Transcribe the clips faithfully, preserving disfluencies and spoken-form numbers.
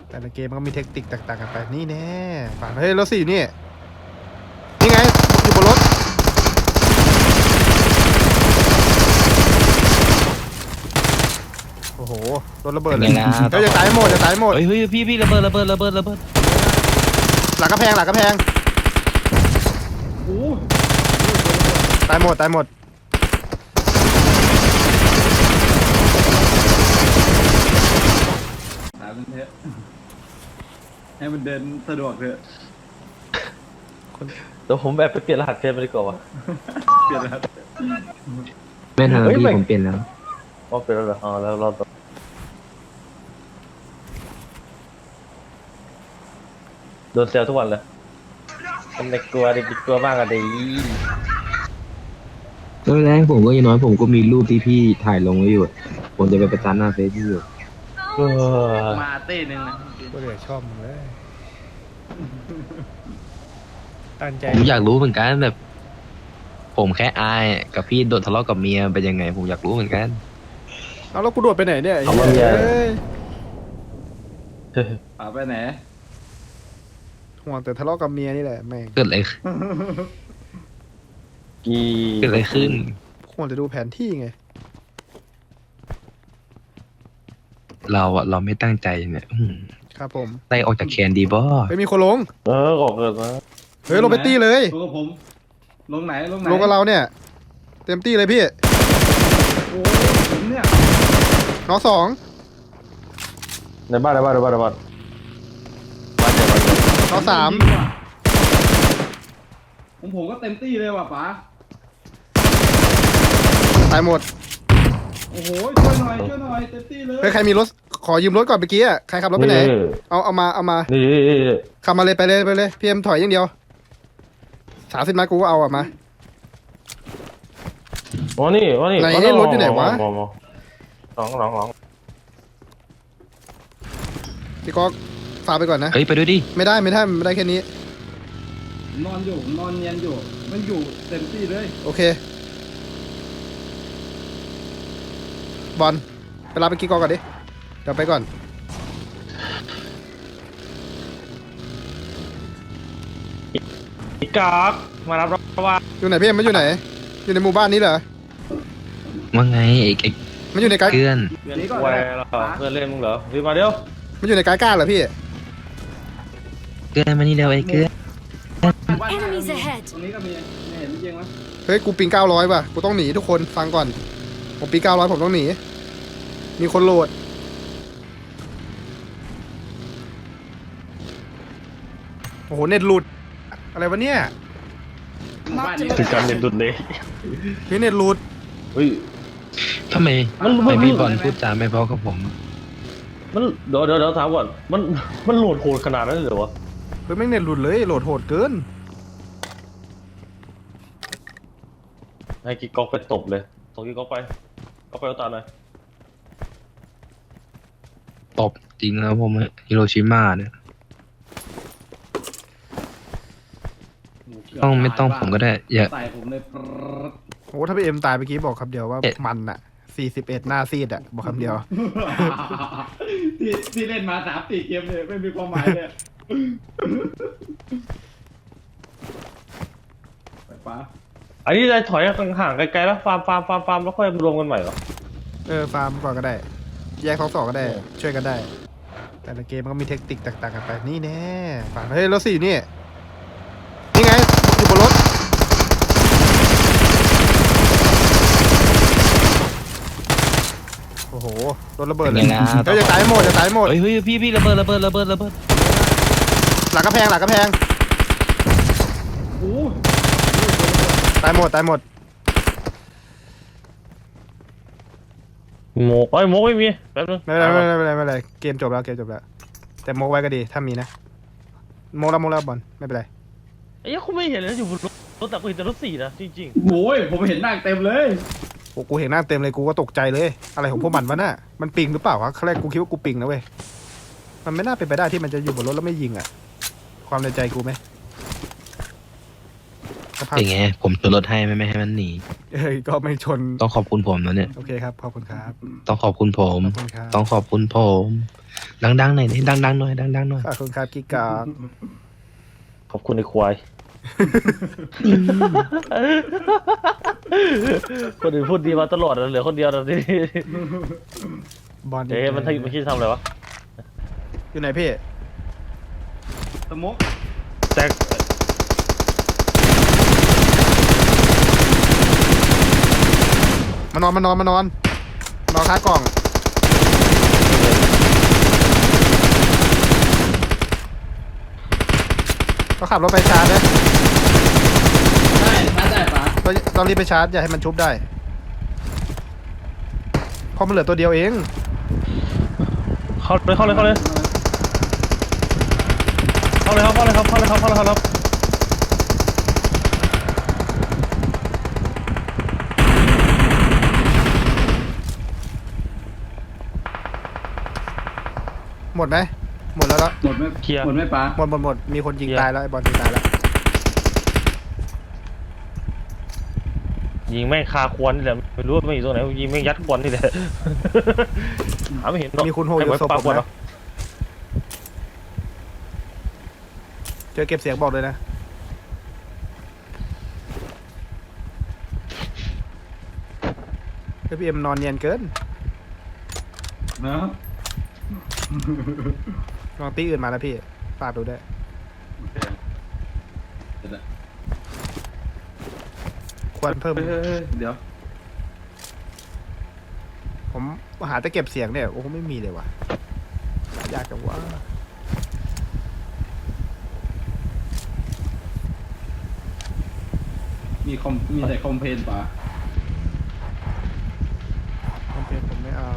แต่ละเกมมันก็มีเทคนิคแตกต่างกันไปนี่แน่ฝันเฮ้ยรถสี่อยู่นี่นี่ไงอยู่บนรถโอ้โหรถระเบิดเลยเฮ้ยจะตายหมดจะตายหมดเฮ้ยเฮ้ยพี่พี่ระเบิดระเบิดระเบิดระเบิดหลังกระแพงหลังกระแพงโอ้ตายหมดตายหมดหาเป็นเทะให้มันเดินสะดวกเถอะเดี๋ยวผมแบบไปเปลี่ยนรหัสเฟซไปดีกว่าวะเปลี่ยนแล้วไม่ทันแล้วพี่ผมเปลี่ยนแล้วอ๋อเปลี่ยนแล้วเหรออ๋อแล้วเราต่อโดนเซลทุกวันเลยเป็นเด็กกลัวเด็กกลัวมากอะดิตอนแรกผมก็ยังน้อยผมก็มีรูปที่พี่ถ่ายลงไว้อยู่ ผมจะไปประจานหน้าเฟซพี่อยู่เออมาเต้หนึ่งนะก็เลยชอบมึงเลยตั้งใจผมอยากรู้เหมือนกันแบบ ผมแค่อายกับพี่โดนทะเลาะกับเมียเป็นยังไง ผมอยากรู้เหมือนกันเอาแล้วกูโดดไปไหนเนี่ยเอาว่าเมียเฮ้ยป่าไปไหนห่วงแต่ทะเลาะกับเมียนี่แหละแม่งเกิดอะไรขึ้นกีเกิดอะไรขึ้นห่วงจะดูแผนที่ไงเราอะเราไม่ตั้งใจเนี่ยอืมครับผมไล่ออกจากแคนดีบ่ไม่มีคนลงเออออกเกิดมาเฮ้ยลงไปตี้เลยลงกับผม ลงไหน ลงไหนลงกับเราเนี่ย เต็มตี้เลยพี่โอ้ผมเนี่ยน้องสองในบ้านในบ้านในบ้านในบ้านบ้านเดียวบ้านเดียวน้องสามผมผมก็เต็มที่เลยว่ะป๋าตายหมดโอ้โห ช่วยหน่อย ช่วยหน่อย เต็มที่เลยเฮ้ยใครมีรถขอยืมรถก่อนเมื่อกี้อะใครขับรถไปไหน เอาเอามาเอามานี่นี่นี่นี่ขับมาเลยไปเลยไปเลยพีเอ็มถอยอย่างเดียวสามสิบนัดกูก็เอาอะมาอ๋อนี่อ๋อนี่ไหนอ๋อรถอยู่ไหนวะมองมองสองสองสองพี่ก๊อกฝากไปก่อนนะเฮ้ยไปด้วยดิไม่ได้ไม่ได้ไม่ได้แค่นี้ผมนอนอยู่ผมนอนเนียนอยู่ มันอยู่เต็มที่เลยโอเค บอลไปรับไปกี้กอกก่อนดิเดี๋ยวไปก่อนอีกากมารับรับว่าอยู่ไหนพี่เอ็มมันอยู่ไหน อยู่ในหมู่บ้านนี้เหรอว่าไงไอ้ไอ้มันอยู่ในไกด์เพื่อนเพื่อนแวร์เหรอเพื่อนเล่นมึงเหรอรีบมาเดี๋ยวมันอยู่ในไกด์ก้าเหรอพี่เพื่อนมานี่เร็วไอ้เพื่อน Enemies ahead ตรงนี้ก็มีไม่เห็นจริงไหมเฮ้ยกูปิงเก้าร้อยว่ะกูต้องหนีทุกคนฟังก่อนผมปิงเก้าร้อยผมต้องหนีมีคนโหลดโอ้โหเน็ตหลุดอะไรวะเนี่ยหมู่บ้านนี้ถึงการเล่นดุดเลยเฮ้ยเน็ตหลุดเฮ้ยทำไมมันทำมัไมนพี่บอลพูดจาไม่เพอกับผมมันเดี๋ยวเดี๋ยวเดี๋ยวถามก่อนมันมันโหลดโหดขนาดนั้นเลยเหรอวะเฮ้ยแม่งเน็ตหลุดเลยโหลดโหดเกินให้กิ๊กก๊อกไปตบเลยส่งกิ๊กก๊อกไปก๊อกไปเอาตาหน่อยตบจริงนะผมฮิโรชิมาเนี่ยต้องไม่ต้องผมก็ได้ อย่าใส่ผมเลยปรดโอ้ถ้าพี่เอ็มตายเมื่อกี้บอกคำเดียวว่าเอ็ดมันอะสี่สิบเอ็ดหน้าซีดอะบอกคำเดียวที่ที่เล่นมาสามสี่เกมเลยไม่มีความหมายเลยไปป๋าอันนี้จะถอยห่างๆไกลๆแล้วฟาร์มฟาร์มฟาร์มฟาร์มแล้วค่อยรวมกันใหม่เหรอเออฟาร์มก่อนก็ได้ แยกสองสองก็ได้เออช่วยกันได้ แต่ละเกมมันก็มีเทคนิคแตกต่างกันไปนี่แน่ฝันเฮ้ยรถสี่อยู่นี่นี่ไงอยู่บนรถโอ้โหรถระเบิดเลยเป็นไงล่ะเฮ้ยจะตายหมดจะตายหมดเฮ้ยเฮ้ยพี่พี่ระเบิดระเบิดระเบิดระเบิดหลังกระแพงหลังกระแพงโอ้ตายหมดตายหมดโมกไอ้ยโมกไม่มีแป๊บนึงไม่เป็นไรไม่เป็นไรไม่เป็นไรเกมจบแล้วเกมจบแล้วแต่โมกไว้ก็ดีถ้ามีนะโมกแล้วโมกแล้วบอลไม่เป็นไรไอ้ยังคุณไม่เห็นเลยอยู่บนรถรถแต่กูเห็นแต่รถสี่นะจริงโหยผมเห็นหน้าเต็มเลยโอ้กูเห็นหน้าเต็มเลยกูก็ตกใจเลย อะไรของพวกมันวะน่ะมันปิงหรือเปล่าวะครั้งแรกกูคิดว่ากูปิงนะเว้ยมันไม่น่าเป็นไปได้ที่มันจะอยู่บนรถแล้วไม่ยิงอ่ะ ความในใจกูไหมสภาพเป็นไง ผมชนรถให้ไม่ไม่ให้มันหนีเอ้ยก็ไม่ชนต้องขอบคุณผมนะเนี่ยโอเคครับขอบคุณครับต้องขอบคุณผมขอบคุณครับต้องขอบคุณผม ดังๆหน่อยดิดังๆหน่อยดังๆหน่อยขอบคุณครับกิ๊กกอกขอบคุณไอ้ควาย คนอื่นพูดดีมาตลอดเหลือคนเดียวตอนนี้บอลเอ๊ะมันทำมันคิดทำอะไรวะอยู่ไหนพี่สมกแจ็คมานอนมานอนมานอนนอนค้ากล่องก็ขับรถไปชาร์จนะได้ชาร์จได้ปะต้องต้องรีบไปชาร์จอย่าให้มันชุบได้เพราะมันเหลือตัวเดียวเองเข้าเลยเข้าเลยเข้าเลยเข้าเลยครับเข้าเลยครับเข้าเลยครับเข้าเลยครับหมดไหมหมดแล้วแล้วหมดไหมหมดไหมปะหมดหมดหมดมีคนยิงตายแล้วไอ้บอลยิงตายแล้วยิงแม่งคาควนนี่แหละไม่รู้ว่าไม่อยู่ตรงไหนยิงแม่งยัดควนนี่แหละหาไม่เห็นมีคุณโฮอยู่ศพปาผกมควนเหรอนะเจอเก็บเสียงบอกเลยนะเอพีเอ็มนอนเนียนเกินนะลองตีอื่นมาแล้วพี่ฝากดูด้วยโอเคเดี๋ยวนะควรเพิ่มเฮ้ยเฮ้ยเฮ้ยเดี๋ยวผมหาแต่เก็บเสียงเนี่ยโอ้โหไม่มีเลยว่ะยากจังวะมีคอมมีแต่คอมเพลนปะคอมเพลนผมไม่เอา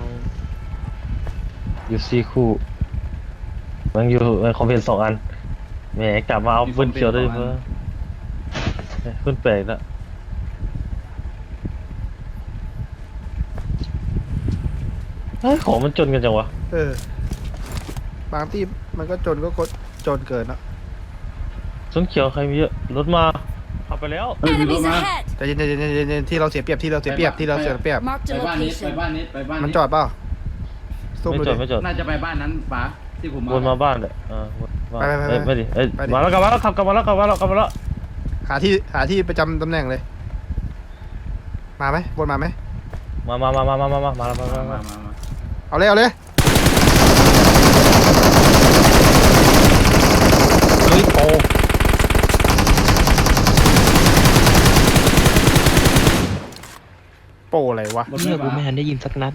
อยู่ซีคู่มันอยู่มันคอมเพลนสองอันแหมกลับมาเอาปืนเขียวด้วยเพื่อปืนแปลกแล้วเฮ้ยของมันจนกันจังวะเออบางที่มันก็จนก็กดจนเกินเนอะส้นเขียวใครมีเยอะรถมาขับไปแล้วเฮ้ยมีรถ Enemies มา ahead! แต่เย็นๆๆๆๆที่เราเสียเปรียบที่เราเสียเปรียบที่เราเสียเปรียบ Marked ไป a บ้านนี้ไป location. บ้านนี้ไปบ้านนี้มันจอดเปล่าซูมไม่ดูจอดดิไม่จอดน่าจะไปบ้านนั้นปะที่ผมมาวนมาบ้านเลยอ่าวนมาไปไปไปเอ้ยไม่ดิเอ้ยไปดิมาแล้วกลับมาแล้วขับกลับมาแล้วกลับมาแล้วกลับมาแล้วหาที่หาที่ประจำตำแหน่งเลย มาไหมบนมาไหมมามามามามามามามาแล้วมามามามามามามาเอาเลยเอาเลยเฮ้ยโปโปรอะไรวะหมดไหมเนี่ยกูปะไม่ทันได้ยินสักนัด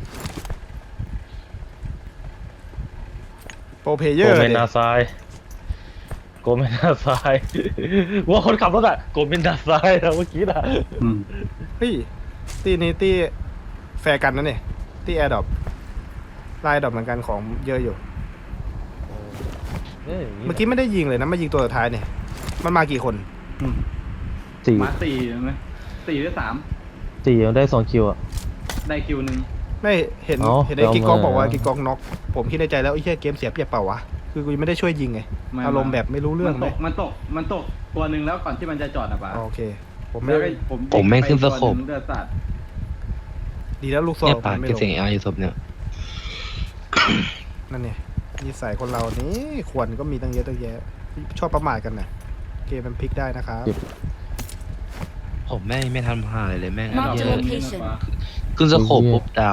โปรเพลเยโกอร์เมดินาซายโกเมนาซาย ว่าคนขับรถอะโกเมนาซายนะเมื่อกี้น่ะอืมเฮ้ยตีนี้ตีแฟร์กันนะเนี่ยตีแอร์ดรอปไล่ดรอปเหมือนกันของเยอะอยู่เอ้ยเมื่อกี้ไม่ได้ยิงเลยนะมายิงตัวสุดท้ายเนี่ยมันมากี่คนอืมสี่มาสี่ใช่ไหมสี่หรือสามสี่ยังได้สองคิวอะได้คิวหนึ่งไม่เห็นอ๋อเห็นไอ้กิ๊กกองเอามาบอกว่ากิ๊กกองน็อกผมคิดในใจแล้วไอ้เหี้ยเกมเสียเปรียบเปล่าวะคือกูยังไม่ได้ช่วยยิงไงอารมณ์แบบไม่รู้เรื่องมันเลตยกมันตกมันตกตัวหนึ่งแล้วก่อนที่มันจะจอดอ่ะปะโอเค ผมไม่แล้วก็ผมผมแม่งขึ้นสโคปเดือดสัตว์ดีแล้วลูกซอเนี่ยงปากมันไม่เก็บลเสียงงเอลอยู่ศพเนี่ยนั่นเนี่ยนิสัยคนเรานี่ควรก็มีตั้งเยอะตั้งแยะชอบประมาทกันนะเกมมันพลิกได้นะครับผมแม่งไม่ทันผ่านเลยแม่ง Mark เย the อะ location. ขึ้นสโคปปุ๊บดาว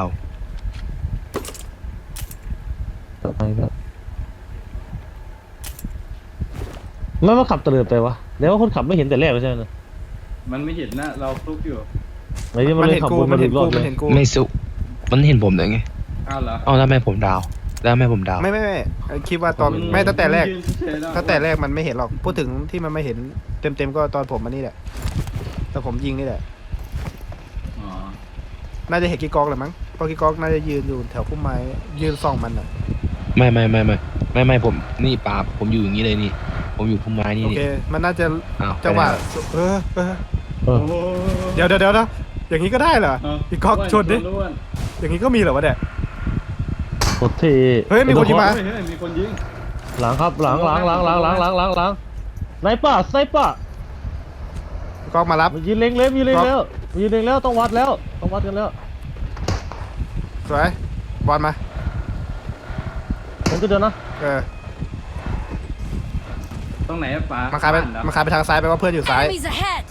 ไม่มาขับเตลิดไปวะแล้วว่าคนขับไม่เห็นแต่แรกเลยใช่ไหมมันไม่เห็นนะเราฟลุกอยู่ไอ้ที่มันมันเลยเห็นขับกูวนมัมาน ถึเห็นงรอกูบเลมันยเห็นกูไม่สุมันเห็นผมเลยไงอ้าวเหรอเอ้าแล้วทำไมผมดาว แล้วทำไมผมดาวไม่ไม่ไม่คิดว่าตอนไม่ตั้งแต่แรกยืนเฉยๆล้วตั้งแต่แรกมันไม่เห็นหรอกพูดถึงที่มันไม่เห็นเต็มเต็มๆก็ตอนผมมานี่แหละแต่ผมยิงนี่แหละอ๋อน่าจะเห็นกิ๊กกองแหละมั้งเพราะกิ๊กกองน่าจะยืนอยู่แถวพุ่มไม้ยืนส่องมันอ่ะไม่ไม่ไม่ไม่ไม่ไม่ผมนี่ปาบผมอยู่อย่างนี้เลยนี่ ผมอยู่พุ่มไม้นี่โอนี่เค มันน่าจะอ้าวจังหวะไปไหนเออเออเออโอ้โหเดี๋ยวเดี๋ยวเดี๋ยวนะอย่างนี้ก็ได้เหรอเาพี่ก๊อกชนดิล้วนอย่างนี้ก็มีเหรอวะเนี่ยโคตรเท่เฮ้ยมีคนยิงมาเฮ้ยเฮ้ยมีคนยิงหลังครับหลังหลังหลังหลังหลังหลังหลังหลังสไนเปอร์สไนเปอร์โอเคกล้องมารับมันยืนเล็งเลยมันยืนเล็งแล้วมันยืนเล็งแล้วต้องวัดแล้วต้องวัดกันแล้วสวยบอลมาผมก็เดินนะเออตรงไหนอะป๋ามันคายไปบ้เหรอมันคายไปทางซ้ายไปว่าเพื่อนอยู่ซ้าย Enemies ahead!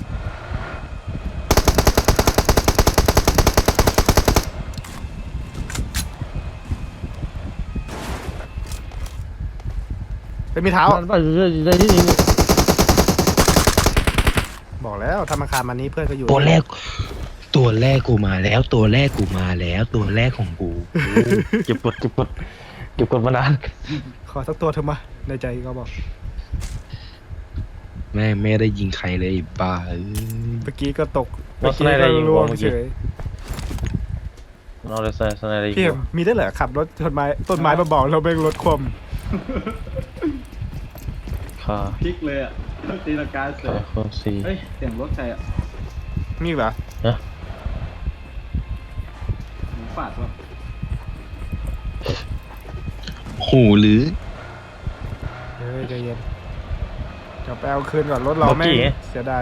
เป็นมีเท้ามันไปอยู่ในที่นี้บอกแล้วถ้ามันคานมานี้เพื่อนก็อยู่ตัวแรก ตัวแรกกูมาแล้ว ตัวแรกกูมาแล้ว ตัวแรกของกูเก็บกดเก็บกดเก็บกดมานานขอสักตัวเถอะมาในใจก็บอกแม่งไม่ได้ยิงใครเลยไอ้บ้าเอ้ยเมื่อกี้ก็ตกเราเมื่อสกี้ไนด์อะไรก็ยิงล่วงเมื่อเฉกี้ยเราเลยใส่สไนด์อะไรอีกพี่มีได้เหรอขับรถชนไม้ต้นไม้มาบอกเราเบ่งรถคว่ค่ะพลิกเลยอะตีลังกาเสืค่ะอคนสี่เฮ้ยเสียงรถใครอะำมีอีกเหรอนะหมูฝาดวะหูหรือเฮ้ยใจเย็นกลับไปเอาคืนก่อนรถเราแม่งเสียดาย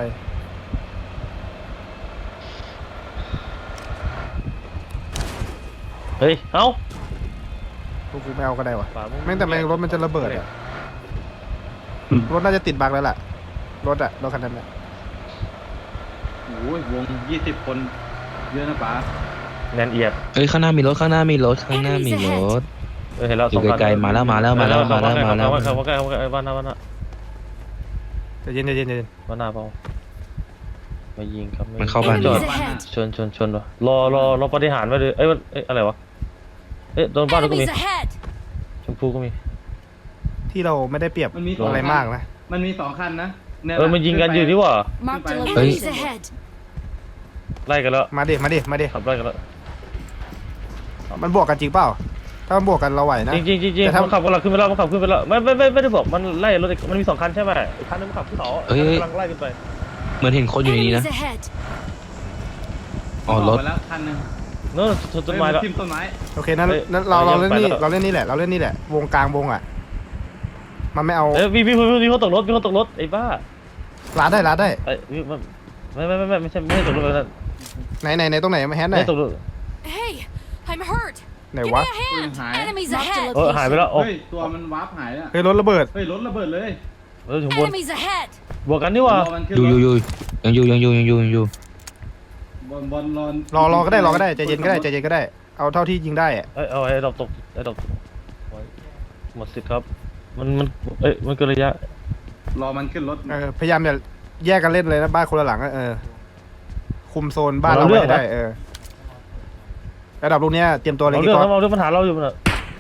เฮ้ยเอ้าพวกกูไม่เอาก็ได้วะฝาแม่งแต่แม่งรถมันจะระเบิดอะรถน่าจะติดบั๊กแล้วล่ะรถอะรถคันนั้นอะโอ้ยวงยี่สิบคนเยอะนะป๋าแนนเอียดเฮ้ยข้างหน้ามีรถข้างหน้ามีรถข้างหน้ามีรถเออเห็นแล้วอยู่ไกลๆมาแล้วมาแล้วมาแล้วมาแล้วมาแล้วมาใกล้มาใกล้บ้านหน้าบ้านหน้าใจเย็นใจเย็นใจเย็นบ้านหน้าเปล่ามายิงครับมันเข้าบ้านจอด Enemies ahead! ชนชนชนวะรอรอรอปฏิหารไว้เลยเอ้ยเอ้ยอะไรวะเอ้ยโดนบ้านเราก็มี Enemies ahead! ชมพูก็มีที่เราไม่ได้เปรียบมันมีสองอะไรคันมากนะมันมีสองคันนะยเออมันยิงกันอยู่ดีกว่า Marked a Hey. Enemies ahead! ไล่กันแล้วมาดิมาดิมาดิขับไล่กันแล้วมันบวกกันจริงเปล่าถ้ามันบวกกันเราไหวนะจริงจริงจริงจริงแต่ถ้ามันขับกันเราขึ้นไปแล้วมันขับขึ้นไปแล้วไม่ไม่ไม่ไม่ได้บอกมันไล่รถมันมีสองคันใช่ไหมอีกคันนึงมันขับขึ้นเขาอีกคันนึงกำลังไล่ขึ้นไปเหมือนเห็นคนอยู่ในนี้ Enemies นะ ahead! อ๋อรถกไปแล้วคันหนึงโน่นชนต้นไม้แล้วเฮ้ยนทิ่มต้นไม้โอเคนั้นเอ้ยนั้นเราเราเอาเล่นไปนี่แล้วเราเล่นนี่แหละเราเล่นนี่แหละ วงกลางวงอ่ะ มันไม่เอาเอ้ยมีมีมีมีคนตกรถมีคนตกรถไอ้บ้าลาดได้ลาดได้ไอ้มีมันไม่ไม่ไม่ไม่ไม่ใช่ไม่ใช่ตกรถแบบนั้นไหนไหนไหนตรงไหนมาแฮนด์ไหนไม่ใช่ตกรถ Hey! I'm hurt! ไหน Give วะ me a hand! Hi. Enemies ahead! เออหายไปแล้วโอ้เฮ้ยตัวมันวาร์ปหายแล้วเฮ้ยรถระเบิดเฮ้ยรถระเบิดเลยเออถึงบน Enemies ahead! บวกกันนี่หว่ารอมันขึ้นอยู่รอยู่ถอยู่ยังอยู่ยังอยู่ยังอยู่ยังอยู่บอลบอลรอนรอรอก็ได้รอก็ได้ใจเย็นก็ได้ใจเย็นก็ได้ เอาเท่าที่ยิงได้อะเอ้ยเอาไอ้ดอกตกไอ้ดอกตกไว้หมดสิทธิ์ครับมันมันเอ้ยมันเกินระยะรอมันขึ้นรถเออพยายามอย่าแยกกันเล่นเลยนะบ้านคนละหลังอะเออ คุมโซนบ้านเราไว้ให้ได้เออระดับลูกเนี้ยเตรียมตัวเลยเรากี่เรื่องก๊อฟเราเรื่องปัญหาเราอยู่มันอะ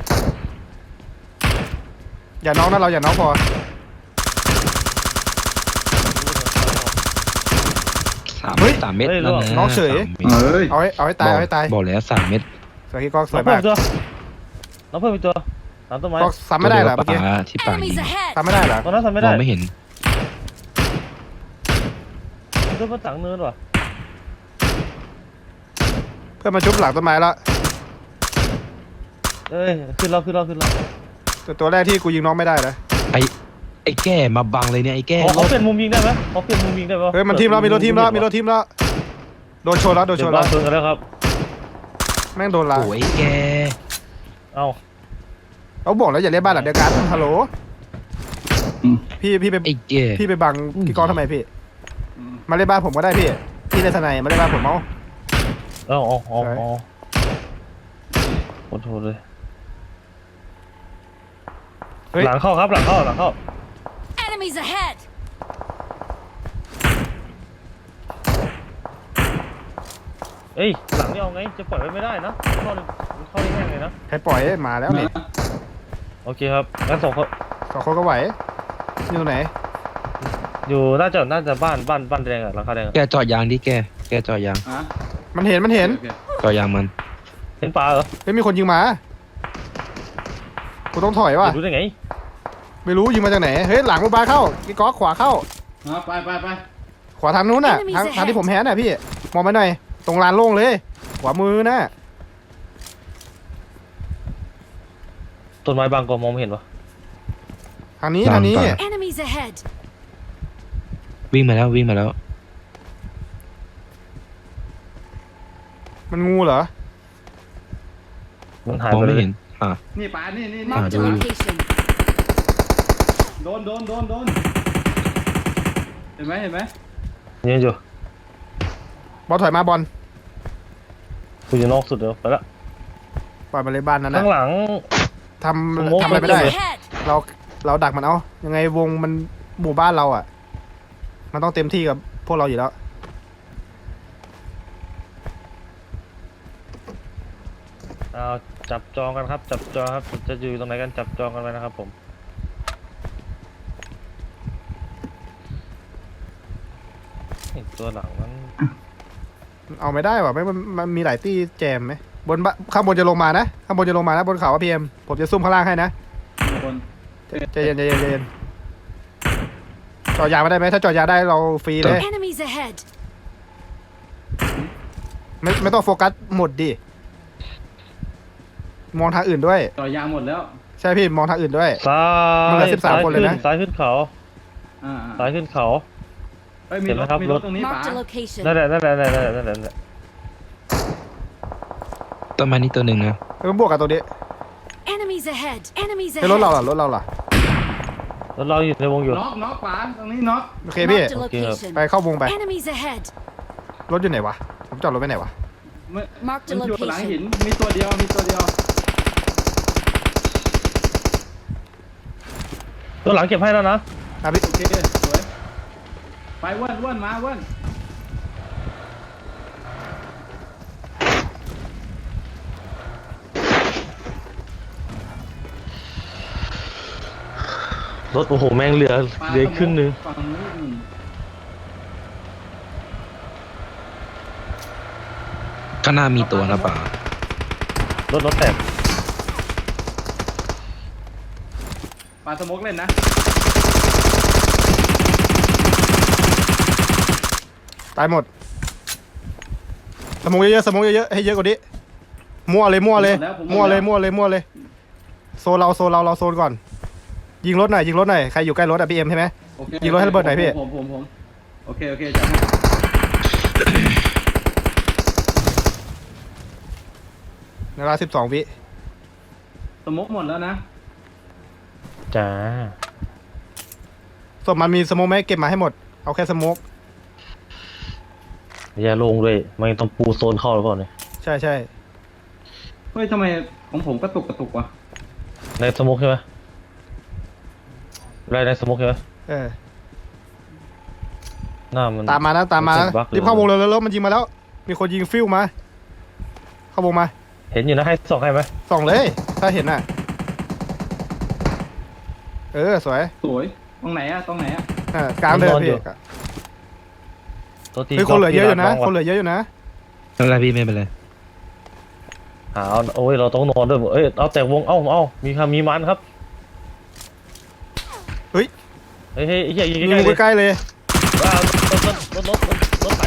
อย่าน้องนะเราอย่าน้องพอสามเฮ้ยสามเม็ดเฮ้ยแล้วนะน้องเฉยสามเม็ดเฮ้ยเอาให้เอาให้ตายเอาให้ตายบอกแล้วสามเม็ดสวยกี่ก๊อกสน้วอย งเพิ่มมากอีกตัวน้องเพิ่มอีกตัวตามต้นไม้ก๊อกซ้ำไม่ได้เหรอเมื่อกี้ตัวดียวกับป๋าที่ปากยิ Enemies ง ahead! ซ้ำไม่ได้เหรอตอนนั้นทำไม่มได้องไม่เห็นมันก็มาตังเนินว่ะเพื่อนมาชุบหลังต้นไม้แล้วเอ้ยขึ้นเราขึ้นเราขึ้นเราแต่ตัวแรกที่กูยิงน้องไม่ได้นะไอ้ไอ้แก่มาบังเลยเนี่ยไอ้แก่ขอเขาเปลี่ยนมุมยิงได้ไหมเขาเปลี่ยนมุมยิงได้ปะเฮ้ยมันทีมแล้วมีรถทีมแล้วมีรถทีมแล้วโดนชนแล้วโดนเดี๋ชยนวแล้บ้าวนชนกันแล้วครับแม่งโดนละโอ้ยไอ้แก่เอ้าเขาบอกแล้วอย่าเล่นบ้านหลังเดียวกันฮัลโหลพี่พี่ไปไอ้แก่พี่ไปบังพี่กองทำไมพี่ มาเล่นบ้านผมก็ได้พี่พี่เล่นทนายมาเล่นบ้านผมเอาเอ้าเอ้าเอ้าใช่เอ้าโอ้โหเลยเฮ้ยหลังเข้าครับหลังเข้าหลังเข้า Enemies ahead! เอ้ยหลังนี่เอาไงจะปล่อยไว้ไม่ได้นะเข้าเข้าได้แง่เลยนะให้ปล่อยมาแล้วนี่โอเคครับงั้นส่งเขาสองคนก็ไหวอยู่ไหนอยู่น่าจะน่าจะบ้านบ้านบ้านแดงอะหลังคาแดงอะแกจอดยางดิแกแกจอดยางอ่ะมันเห็นมันเห็นโอคจอดยางมันเห็นปลาเหรอเฮ้ยมีคนยิงมากูต้องถอยว่ะรู้ได้ไงไม่รู้ยิงมาจากไหนเฮ้ยหลังกูบาเข้าพี่ก๊อกขวาเข้าอ่ะไปไปไปขวาทางนู้นน่ะ Enemies ทาง ahead ทางที่ผมแฮนน่ะพี่มองไปหน่อยตรงลานโล่งเลย ขวามือน่ะต้นไม้บางก็มองไม่เห็นวะทางนี้ทางนี้ Enemies ahead! วิ่งมาแล้ววิ่งมาแล้วมันงูเหรอมันหายมองไปเลไม่ยเห็นอ่านี่ปลานี่นี่ Ah, Marked a dude. location. โดนโดนโดนโดนเห็นไหมเห็นไหมยืนอยู่บอลถอยมาบอลกูอยู่นอกสุดเดี๋ยวไปละปล่อยมาเลยบ้านนั้นนะข้างหลังทสโมกำทำอะไรไม่ได้ Enemies ahead. เราเราดักมันเอายังไงวงมันหมู่บ้านเราอ่ะ มันต้องเต็มที่กับพวกเราอยู่แล้วเอาจับจองกันครับ จับจองครับจะอยู่ตรงไหนกันจับจองกันไว้นะครับผมไอ้ตัวหลังนั้นเอาไม่ได้ว่ะไม่มันมันมีหลายตี้แจมไหมบนบ้านข้างบนจะลงมานะข้างบนจะลงมานะบนเขาพีเอ็มผมจะซุ่มข้างล่างให้นะคนใจเย็นใจเย็นใจเย็นจอดยาไม่ได้ไหมถ้าจอดยาได้เราฟรีเลย Enemies ahead. ไม่ไม่ต้องโฟกัสหมดดิมองทางอื่นด้วยต่อยางหมดแล้วใช่พี่มองทางอื่นด้วยซ้ามันเหลืยอสิบสามซ้ายคนเลยขึ้นนะซ้ายขึ้นเขาอ่าซ้ายขึ้นเขาเฮ้ยมีเห็นไหรมถครับมีรรถถตรงนี้ป๋า Marked a location. นั่นแหละนั่นแหละนั่นแหละนั่นแหละนั่นแหละต้นไม้นี้ตัวหนึ่งนะเออบวกกับตัวนี้ Enemies ahead. Enemies ไอ้รถเรา ahead. ล่ะรถเราล่ะรถเราอยู่ในวงอยู่น็อกน็อกป๋าตรงนี้น็อกโอเคพี่ Marked a Okay, location. ไปเข้าวงไป Enemies ahead. รถอยู่ไหนวะผมจอดรถไว้ไหนวะมัน Marked a มันอยู่หลังหิน location. มีตัวเดียวมีตัวเดียวตัวหลังเก็บให้แล้วนะอ่ะพี่โอเคสวยไปอ้วนอ้วนมาอ้วนรถโอ้โหแม่งเหลือปลาเหลือครึ่งหนึงฝั่งนู้นอืมข้างหน้ามีตัวนะป่ารถรถแตกปลาสโมกเล่นนะตายหมดสมองเยอะๆสมองเยอะๆให้เยอะกว่านี้มั่วเลยมั่วเลยมั่วเลยมั่วเลยมั่วเลยโซนเราโซนเราเราโซนก่อน ยิงรถหน่อยยิงรถหน่อยใครอยู่ใกล้รถอะพี่เอ็มใช่ไหมโอเคยิงรถให้ระเบิดหน่อยพี่ผมผมผมโอเคโอเคจัดให้ในเวลาสิบสองวิสโมกหมดแล้วนะจ้าศพมันมีสโมกไหมเก็บมาให้หมดเอาแค่สโมกอย่าลงเลยมันต้องปูโซนเข้าหรือเปล่าเนี่ยใช่ใช่เฮ้ยทำไมของผมกระตุกกระตุกวะในสโมกใช่ไหมไรในสโมกใช่ไหมเออหน้ามันตามมานะตามมานะนบั๊กลยรีบเข้าวงเลยแล้วมันยิงมาแล้ว มีคนยิงฟิวมาเข้าวงมาเห็นอยู่นะให้ส่องให้ไหมส่องเลย ถ้าเห็นน่ะ เออสวยสวยตรงไหนอะตรงไหนอะอ่ากลางเดินพี่ตัวทีเฮ้ยคนเหลือเยอะอยู่นะงคนเหลือเยอะอยู่นะไม่เป็นไรพี่ไม่เป็นไรหาเอาโอ้ยเราต้องนอนด้วยเอ้ยเอาแต่วงเอ้าเอ้ามีครับมีมันครับเฮ้ยเฮ้ยเฮ้ยไอ้เหี้ยยิงยิงใกล้ๆเลยใกล้ๆเลยว้าวรถรถรถรถรถรถไหล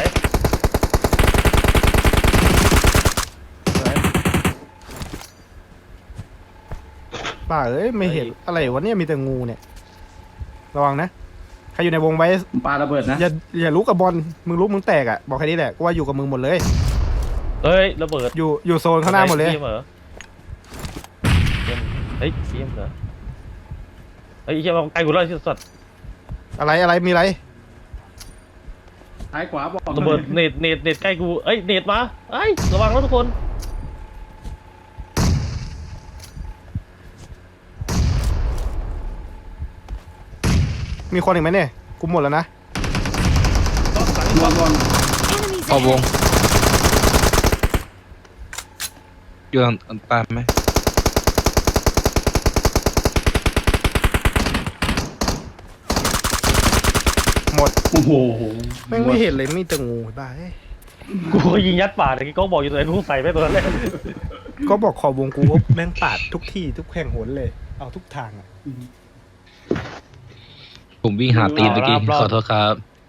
ป่าเอ้ยไม่เห็นอะไรวะเนี่ยมีแต่งูเนี่ย ระวังนะ ใครอยู่ในวงไว้ปลาระเบิดนะอย่าอย่าลุกกับบอลมึงลุกมึงแตกอ่ะบอกแค่นี้แหละกูว่าอยู่กับมึงหมดเลยเฮ้ยระเบิดอยู่อยู่โซนข้างหน้าหมดเลยทีมเหรอทีมเฮ้ยทีมเหรอเฮ้ยไอ้เหี้ยมาใกล้กูแล้วไอ้สัตว์อะไรอะไรมีอะไรท้ายขวาบอกระเบิดเน็ตเน็ตเน็ตใกล้กูเอ้ยเน็ตมาเอ้ยระวังนะทุกคนมีคนอีกไหมเนี่ยกูหมดแล้วนะบอลบอล Enemies เข้าวง ahead. อยู่ตามตามไหมหมดโอ้โหแม่งไม่เห็นเลยมีแต่งูบ้าเอ้ยกูก็ยิงยัดป่าแต่กี้ก็บอกอยู่ตัวไหนกูใส่ไปตัวนั้นเลยก็บอกขอบวงกูว่าแม่งปาดทุกที่ทุกแห่งหนเลย เอาทุกทางอ่ะผมวิ่งหาตีนเมื่อกี้ขอโทษครับ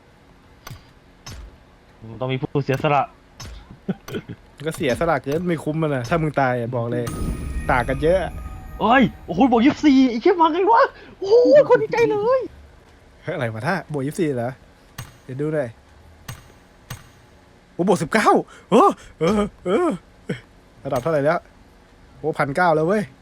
ต้องมีผู้เสียสละก็เสียสละเกินไม่คุ้มมันนะถ้ามึงตายอะบอกเลยต่างกันเยอะเอ้ยโอ้โหบอกยี่สิบสี่ไอ้เชี่ยมาไงวะโอ้โหคนดีใจเลยเฮ้ยอะไรวะท่าบวกยี่สิบสี่เหรอเดี๋ยวดูหน่อยโอ้บวกสิบเก้าเออเออเออระดับเท่าไหร่แล้วโอ้พันเก้าแล้วเว้ย